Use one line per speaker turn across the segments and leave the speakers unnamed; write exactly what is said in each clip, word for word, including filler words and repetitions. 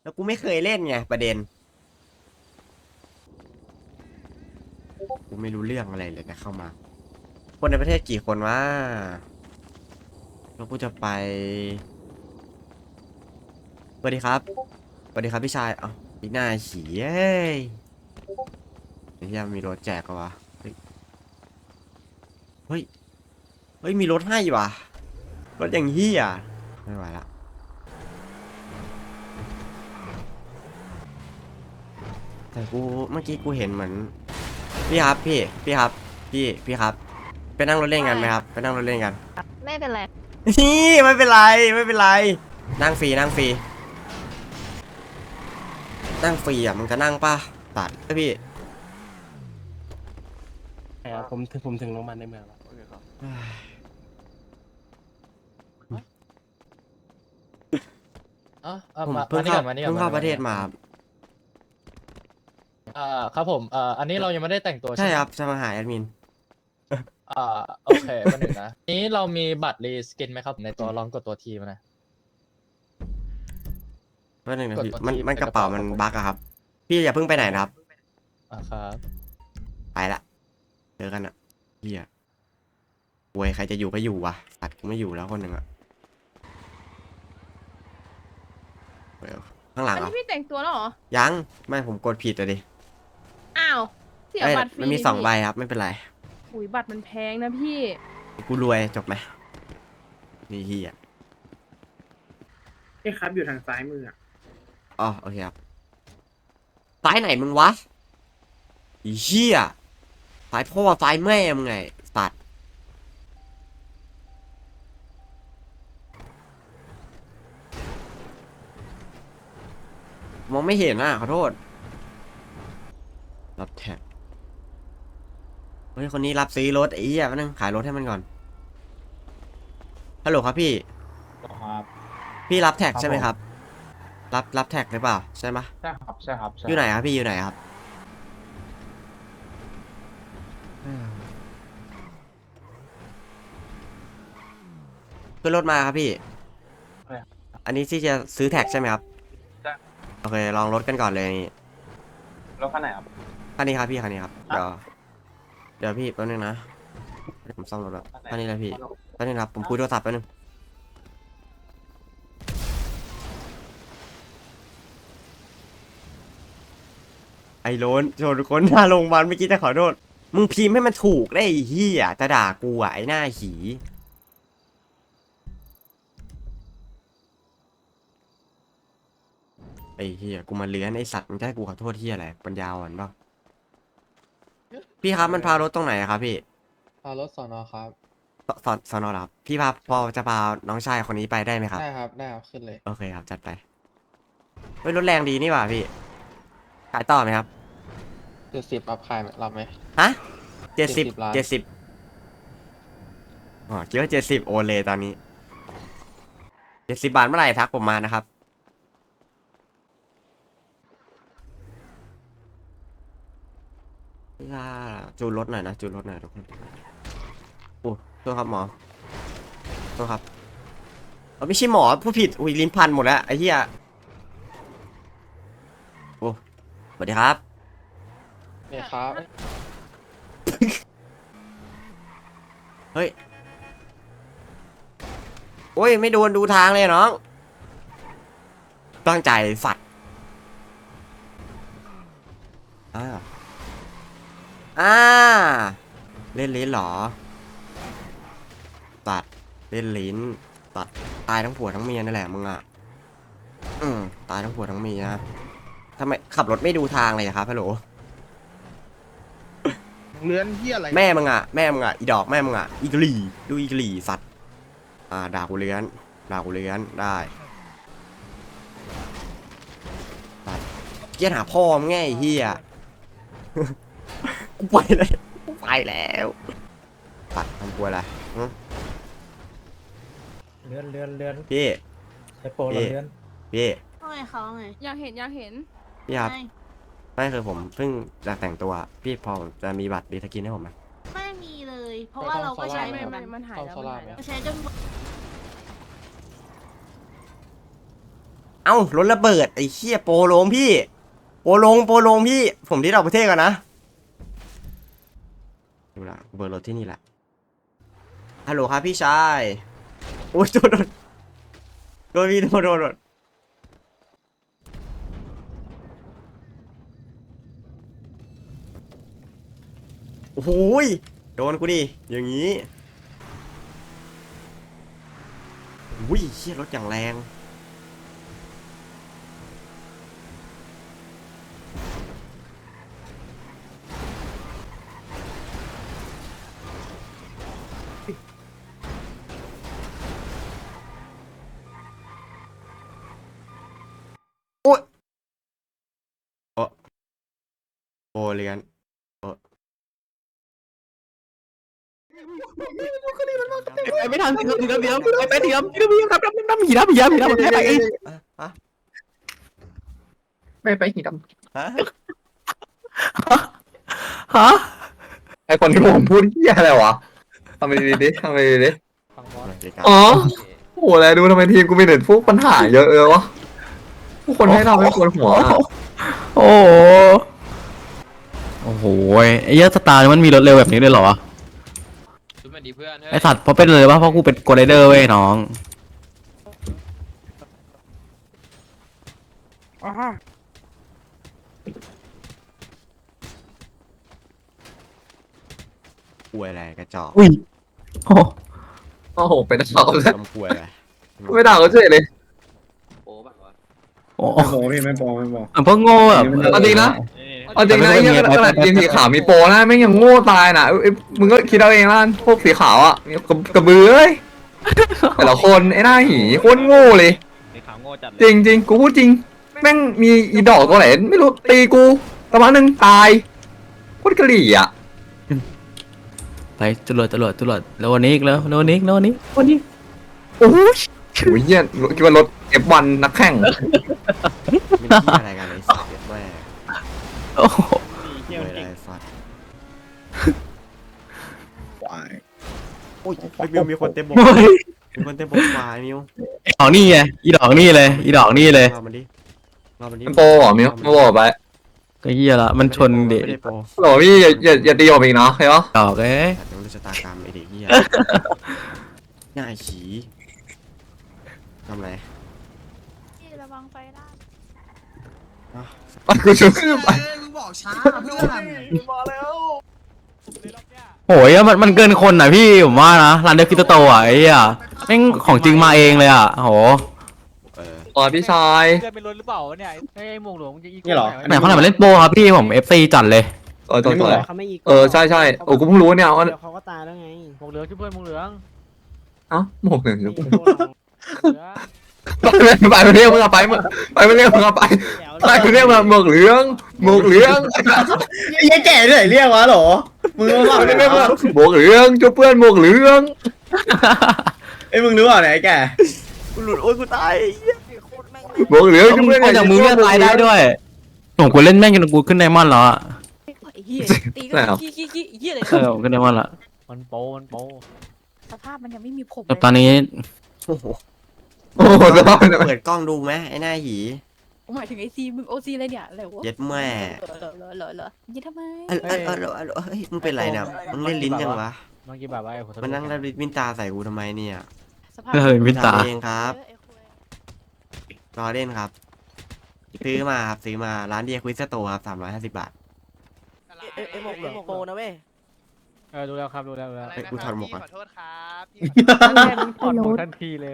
แล้วกูไม่เคยเล่นไงประเด็นกูไม่รู้เรื่องอะไรเลยนะเข้ามาคนในประเทศกี่คนวะแล้วกูจะไปสวัสดีครับสวัสดีครับพี่ชายเอ้าพี่หน้าฉี่เอ้ยไอ้เหี้ยมีรถแจกก็วะเฮ้ยเฮ้ยเฮ้ยมีรถให้ว่ะรถอย่างเหี้ยไม่ไหวละแต่กูเมื่อกี้กูเห็นเหมือนพี่ครับพี่พี่ครับพี่พี่ครับไปนั่งรถเล่นกันไหมครับไปนั่งรถเล่นกัน
ไม่เป็นไร
นี่ไม่เป็นไรไม่เป็นไรนั่งฟรีนั่งฟรีนั่งฟรีอ่ะมึงจะนั่งป่ะตัดพี่
ใช่ครับผมถึงผมถึงโรงพยาบาลในเมืองแล้ว
อ๋อเอ่อ
ผม
มา
เพิ่
มาง นี่
เข้า
ก่อนมานี่ก่
เพิ่
อน
งเข้า
มา
ประเทศมา
เอ่อครับผมเอ่ออันนี้เรายังไม่ได้แต่งตัว
ใช่
ใช่ไหม
ครับจะมาหาแอดมิน
อ่าโอเคมาหนึ่งนะนี้เรามีบัตรรีสกินไหมครับในตัวลองกดตัวทีมานะ
เพื่อนหนึ่งนะ
กด
พี่
ตัว
มัน
ที่
มัน
ใน
ก
ก
ระ
ระ
เป๋า
เป๋า
มัน
ครับผม
บั๊กอะครับพี่อย่าเพิ่งไปไหนนะครับ
อ่าครับ
ไปละเจอกันอะเฮียโวยใครจะอยู่ก็อยู่วะตัดกูไม่อยู่แล้วคนหนึ่งอะเว้ยข้างหลัง
อัน
เหรอ
นี้พี่แต่งตัวแล้วเหรอ
ยังไม่ผมกดผิดอะดิ
อ้าว เสีย
เอ้ย
บัตรฟรี
มันมีสอง
พี่
ใบครับไม่เป็นไร
อุ้ยบัตรมันแพงนะพี่
กูรวยจบไหมนี่เฮีย
นี่ครับอยู่ทางซ้ายมืออ่ะ
อ๋อโอเคครับซ้ายไหนมึงวะไอีเหี้ยซ้ายพ่อซ้ายแม่มึงไงตัดมองไม่เห็นอ่ะขอโทษรับแท็กเฮ้ยคนนี้รับซื้อรถไอ้เหี้ยมานั่งขายรถให้มันก่อนฮัลโหลครับพี่
ครับ
พี่รับแท็ก
ครับ
ใช่ไหม
ผม
ครับ รับรับแท็กหรือเปล่าใช่ไหม
ใช่ครับใช่ครับใช่
อยู่ไหนครับพี่อยู่ไหนครับขึ้นรถมาครับพี่ อันนี้ที่จะซื้อแท็กใช่ไหมครับ
ใช่
โอเคลองรถกันก่อนเลยนี่
รถคันไหนครับ
คันนี้ครับพี่คันนี้ครับ
อ่ะ
เดี๋ยวเดี๋ยวพี่แป๊บนึงนะเดี๋ยวผมซ่อมรถแล้วคันนี้เลยพี่แป๊บนึงครับผมคุยโทรศัพท์แป๊บนึงไอ้โลนชนคนหน้าโรงพยาบาลเมื่อกี้จะขอโทษมึงพิมพ์ให้มันถูกได้ไอ้เหี้ยจะด่ากูอ่ะไอ้หน้าหีไอ้เหี้ยกูมาเลื้อนไอ้สัตว์มึงจะให้กูขอโทษเหี้ยอะไรปัญญาอ่อนเปล่าพี่ครับมันพารถตรงไหนอะครับพี่
พารถสอนอครับ
สสอนสอนอเหรอครับพี่พาพอจะพาน้องชายคนนี้ไปได้ไหมครับ
ได้ครับ ได้ครับ ขึ้นเลย
โอเคครับจัดไปเฮ้ยรถแรงดีนี่หว่าพี่ขายต่อไหมครับ
เจ็ดสิบรับขายไหมรับไหม
ฮะเจ็ดสิบ
ล้าน
เจ็ดสิบอ๋อคิดว่าเจ็ดสิบโอนเลยตอนนี้เจ็ดสิบบาทเมื่อไหร่ทักผมมานะครับล่าจูนรถหน่อยนะจูนรถหน่อยทุกคนโอ้โทษครับหมอโทษครับเอาไม่ใช่หมอผู้ผิดอุ้ยลิ้นพันหมดแล้วไอ้เหี้ยโอ้สวัสดีครับ
เนี่ยครับ
เฮ้ย โอ้ย ไม่โดนดูทางเลยน้อง ตั้งใจสัตว์อ่าอ่าเล่นลิ้นเหรอ ตัด เล่นลิ้น ตัด ตายทั้งผัวทั้งเมียนั่นแหละมึงอ่ะ อืม ตายทั้งผัวทั้งเมียทำไมขับรถไม่ดูทางเลยอะครับฮัลโหล
เลื้อนเฮียอะไร
แม่มึงอ่ะ แม่มึงอ่ะ อีดอกแม่มึงอ่ะ อีกลีดูอีกลีสัตว์ อ่า ด่ากูเลื้อน ด่ากูเลื้อน ได้ตัดเกียร์หาพ่อมึงไงไอ้เฮีย กูไปเลยกูไปแล้วตัดทำกลัวอะไรหึ
เลื่อนเลื่อนเลื่อน
พี่
ไอโปรเราเลื่อน
พี่
ว่าไงเขาไง อยากเห็นอยากเห็น
พี่ครับ
ไม่
ไม่คือผมเพิ่งจะแต่งตัว พี่พอจะมีบัตรดีสกินให้ผมไหม
ไม่มีเลย เพราะว่าเราก็ใช้
ไม่
ไม่
ไม่
มันหายแล้ว
เข้า
มันหาย
เข้า
แล้วใช้จน
เอ้ารถระเบิดไอ้เหี้ยโปโลงพี่ โปโลงโปโลงพี่ ผมที่เราประเทศก่อนนะดูละเบอร์รถที่นี่แหละฮัลโหลครับพี่ชายโอ้ยโดนโดนโดนพี่โดนโดนโดนโอ้โหยโดนกูดิอย่างนี้อุ้ยเชี่ยรถอย่างแรงโอ้ยโอ้โอเลียนโอ้
ไปไม่ทันทีเดียวเดียวไปไปเดียวเดียวเดียวครับน้ำน้ำหีน้ำหีน้ำหีน้ำไปไป
อะอะ
ไปไปหีด
ฮะ
ฮะ
ำไอคนที่ผมพูดเหี้ยอะไรวะทำไปดีดิทำไปดีดิ
ฟังบอส
โอเคครับ
อ๋อโอ้โหอะไรดูทำไมทีมกูมีแต่พวกปัญหาเยอะเลยวะผู้คนให้เราไม่ควรหัว
โอ้โหโอ้โหไอ้เหี้ยสตาร์มันมีรถเร็วแบบนี้ด้วยเหรอวะไอสัตว์เพราะเป็นเลยว่าเพราะกูเป็นโกลเดอร์เว้ยน้อง
กลัวอะไรกระจอก
อุ้ยโอ้
โอ้โหไปด่าเขาเลย
ทำกลัวอะไร
ไม่ด่าเขาเฉยเลย
โอ้
ไม่โปพี่ไม่โปไม่โป
เหมือนพวกโง่แบบ
เอาจริงนะเอาจริงนะไอ้เหี้ยขนาดทีมสีขาวมีโปรนะแม่งยังโง่ตายน่ะเอ้ยมึงก็คิดเอาเองละกันพวกสีขาวอ่ะกระกระเบือเอ้ยแต่ละคนไอ้หน้าหีโคตรโง่เลยจริงจริงกูพูดจริงแม่งมีอีดอกตัวไหนไม่รู้ตีกูตะวันหนึ่งตายโคตรกะหรี่อ่ะ
ไปจรวดจรวดจรวดแล้ววันนี้อีกแล้วแล้ววันนี้อีกแล้ววันนี้วันนี้โอ้ย
โอ้ยเหี้ยคิดว่ารถ เอฟ วัน นักแข่ง
ไม่ได้ที่อะไรกันเลยสัตว์เด็ดแม่
โอ้โห
กลัวอะไรสัตว์
ควาย
โอ้ยไอ้มิวมีคนเต็มบก
โอ้ย
มีคนเต็มบกควายมิว
อีดอกนี่ไงอีดอกนี่เลยอีดอกนี่เลย
รอมันดิรอมันดิ
มันโปรเหรอมิวมาบอกไป
ก็เฮียละมันชนเด็ก
ไม่ได้โปร
โหลพี่อย่าอย่าอย่าตีผมอีกเนาะเข้าใจปะ
ดอกเอ้ย
สัตว์ต้องรู้ชะตากรรมไอเด็กเหี้ยหน้าไอ้ฉีทำไร
พี่ระวังไฟได้
อ่ะ
ไปกูช่วยไป
โอ้ยมันมันเกินคนอ่ะพี่ผมว่านะร้านเดอร์คิโตโตอ่ะไอ้เหี้ยแม่งของจริงมาเองเลยอ่ะโห
เออ
อ๋อพี่ชาย
เพื่อนเป็นรถหรือเปล่าเนี่ยไอ้หมวกหลวงจะอีก
นี่เหรอ
ไหนเขาไหนมาเล่นโปรครับพี่ผม เอฟ ซี จัดเลย
เออตัวตัว
เขาไม่อีก
เออใช่ใช่โอ้กูเพิ่งรู้เนี่ยว่า
เขาก็ตายแล้วไง
หมวกเหลืองช่วยเพื่อนหมวกเหลือง
เอ้าหมวกหนึ่ง
เหลือง
ไปไปไปเรียกมึงเอาไปมึงไปไปเรียกมึงเอาไปไปเรียกมาหมวกเหลืองหมวกเหลือง
ยัยแก่ด้วยเรียกวะหรอมึงรู้เปล่า
ไปเรียกมาหมวกเหลืองช่วยเพื่อนหมวกเหลือง
ไอ้มึงรู้เปล่าไหนแก่
กูหลุดโอ้ยกูตายไอ้เหี้ย
หมวกเหลืองช่วย
มึง
เพื่อน
เอาจากมือเลื่อนตายได้ด้วยผมกูเล่นแม่งจนกูขึ้นไดมอนด์แล้วอ่ะ
ไอ้เหี้ยตีก็
ไหนอ่ะ
ขี้ขี้ขี้เหี้ยเลย
เออผมขึ้นไดมอนด์ละ
มันโปมันโป
สภาพมันยังไม่มีผม
แต่ตอนนี้
โอ้โห
โอ้โหสภาพเป็น
เปิดกล้องดูไหมไอ้หน้าหี
หมายถึงไอซีมึงโอซีอะไรเนี่ยอะไรวะ
เย็ดแม่
เหรอเหรอเหรอเหรอยี่ทำไม
เออเออเออเออเออเฮ้ยมึงเป็นไรเนี่ยมึงเล่นลิ้นยังวะ
เมื่อกี้แบบว่าไอ้หัวทะลุ
มันนั่งแล้ววินตาใส่กูทำไมเนี่ย
สภาพ
เออวินตา
ทำเองครับ
เออไอ้คุย
รอเล่นครับ ซื้อมาครับซื้อมาร้านเดียควิสโตครับสามร้อยห้าสิบบาท
เอ้ยเอ้ยหมวกเหลืองโปรนะเว้ย
เออดูแล้วครับดูแล้วดูแล้ว
เฮ้ยกูถอดหมวกก่อน
แม่มึงถอดหมวกทันทีเลย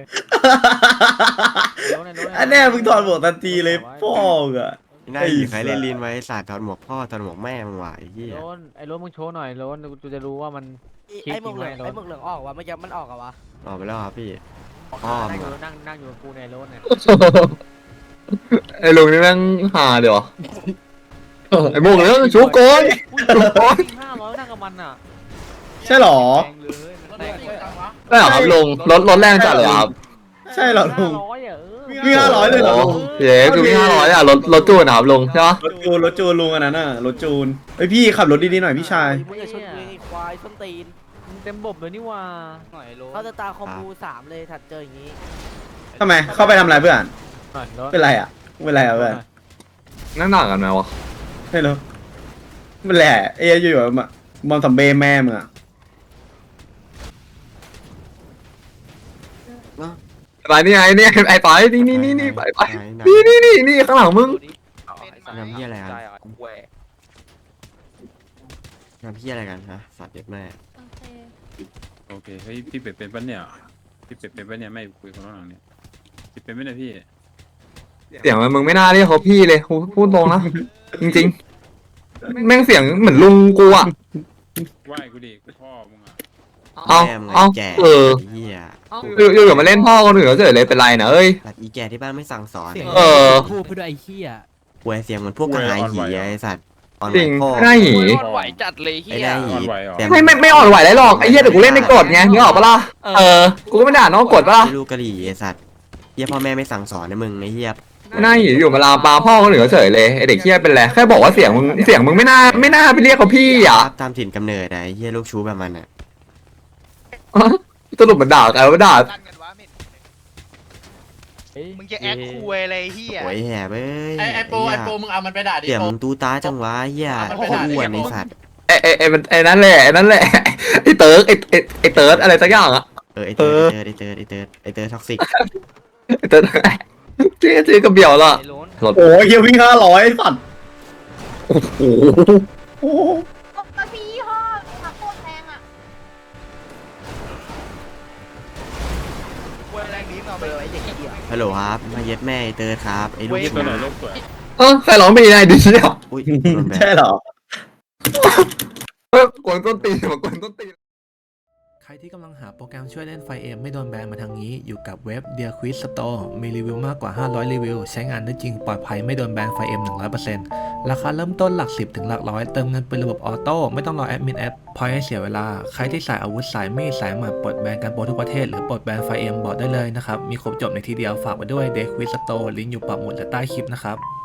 อันแน่มึงถอดหมวกทันทีเลยพ่ออ่ะ
ไอ้หน้าหีใครเล่นลิ้นไว้สาดถอดหมวกพ่อถอดหมวกแม่มึงว่ะไอ้เหี้ย
โรนไอ้โรนมึงโชว์หน่อยโรนกูจะรู้ว่ามัน
ไอ้หมวกเหลืองไอ้หมวกเหลืองออกวะเมื่อกี้มันออกอะวะ
ออกไปแล้วครับพี่ พ่อ
นั่ง
มึ
อง ยู่
อะ
นั่งนั่งอยู่กับกูในโรนเนี่ย
ไอ้ลุงนี่แม่งหาเดี๋ยวไอ้หมวกเหลืองชูโกนชูโกน
ห้าร้อยนั่งกับมันอ่ะ
ใช่หรอ
แรงเลยมันแรงเลย
ได้เหรอครับลุงรถรถแรงจัดเลยครับ
ใช่เหรอลุง
ห้าร้อยอ่ะเออ
มีห้าร้อยเลยเหรอ
โอ้เย้คือมีห้าร้อยอ่ะรถรถจูนนะครับลุงใช่ปะ
รถจูนรถจูนลุงอันนั้นน่ะรถจูนไอยพี่ขับรถดีๆหน่อยพี่ชาย
มึงอย่าชนกูไอ้ควายส้นตีน
มึงเต็มบบเลยนี่ว่า
เขาจะตาคอมบูสามเลยถัดเจออย่างนี้
ทำไมเข้าไปทำอะไรเพื่อนเป็นไรอ่ะเป็นไรอ่ะเพื่อน
นั่งหนักกันไหมวะ
ไม่รู้มันแหละเอ้ยอยู่ๆมาบอลสัมเบแม่มึงอ่ะ
ไปนี่ไงนี่ไอ้ไปนี่นี่นี่นี่ไปไป
ไหนไหน
นี่นี่นี่นี่ข้างหลังมึง
ทำเหี้ยอะไรกันทำเหี้ยอะไรกันฮะสัตว์เด็ดแม่
โอเค
โอเคเฮ้ยพี่เป็ดเป็นปะเนี่ยพี่เป็ดเป็นปะเนี่ยไม่คุยกับน้องเนี่ยพี่เป็นไม่ได้พี่
เสียงมันมึงไม่น่าเรียกเขาพี่เลยพูดพูดตรงนะจริงๆแม่งเสียงเหมือนลุงกูอ่ะ
ไหว้กูดิกูพ่อมึงอ่ะ
เอา
แม่มึง
เอา
ไแก่
เออ
ไเหี้ย
อยู่อยู่อยู่มาเล่นพ่อคนอื่นเขาเฉยเลยเป็นไรนะเอ้ย
สัตว์อีแก่ที่บ้านไม่สั่งสอน
เออ
พูดเพื่อไอ้เหี้ย
ป่วยเสียงเหมือนพวกกระหายหีไอ้สัตว์อ่อน
จริง
พ่อ
หน้าหี
ไหวจัดเลยเฮี
ไอ้
ย
ได้หี
อ่อนไหวเหรอ
แต่
ไม่ไม่ไม่อ่อนไหวได้หรอกไอ้เหี้ยเดี๋ยวกูเล่นในกฎไงนึกออกปะล่ะเออกูก็ไม่ด่าน้องกฎปะล่ะ
ไม่รู้กะหรี่ไอ้สัตว์เหี้ยพ่อแม่ไม่สั่งสอนนะมึงไอ้เหี้ย
หน้าหีอยู่มาลามปลาพ่อคนอื่นเขาเฉยเลยไอเด็กเหี้ยเป็นไรแค่บอกว่าเสียงมึงเสียงมึงไม่น่าไม่น่าไปเรียกเขาพี่อ่ะ
ตามถิ่นกำเนิดนะไอ้เหี้ยลูกชู้แบบมันอ่ะ
สรุปมันด่าใครว่าด่า
ลั่นกันวะมึงจะแอคคุยอะไรเฮีย
โวยแห่เว้ย
ไอไอโปไอโปมึงเอามันไปด่าดิ
เดี๋ยว
โป
มึงตูตาจังวะเหี้ย
เอามัน
โค
ไป
ตร
ด่าดิ
อ้วนไอ้สัตว์
ไอไอไอมันไอนั่นแหละไอนั่นแหละไอเติร์กไอไอไอเติร์ดอะไรสักอย่างอ่ะ
เออไอเติร์ดไอเติร์ดไอเติร์ดไอเติร์ดท็อกซิก
ไอเติร์ดชื่อชื่อกระเบี่ยวละรถ
โอ้ยเฮียวิ่งห้าร้อยสัตว์
โอ้โห
โอ้โห
มันมียี่ห้อค่ะโคตรแพงอ่ะ
คุยแรงนี้เอาไปเลยไอ้เด็กเฮีย
ฮัลโหลครับมาเย็ดแม่ไอเติร์ดครับไอลูก
พี่ตัวไหนโลกสวย
เออใครร้องเพลงอะไรดีเนี่ย
อุ้ยโดนแบ
ใช่
น
เหรอ
เออกวนต้นตีนมากวนต้นตีน
ใครที่กำลังหาโปรแกรมช่วยเล่นไฟเอ็มไม่โดนแบนมาทางนี้ อยู่กับเว็บ Dear Quiz Store มีรีวิวมากกว่า ห้าร้อย รีวิว ใช้งานได้จริงปลอดภัยไม่โดนแบนไฟเอ็ม หนึ่งร้อยเปอร์เซ็นต์ ราคาเริ่มต้นหลักสิบถึงหลักร้อยเติมเงินเป็นระบบออโต้ไม่ต้องรอแอดมินแอปพอยให้เสียเวลา ใครที่สายอาวุธสายมีดสายหมัดปลดแบนกันโปรทุกประเทศหรือปลดแบนไฟเอ็มบอกได้เลยนะครับมีครบจบในทีเดียวฝากไว้ด้วย Dear Quiz Store ลิงก์อยู่ปักหมุดและใต้คลิปนะครับ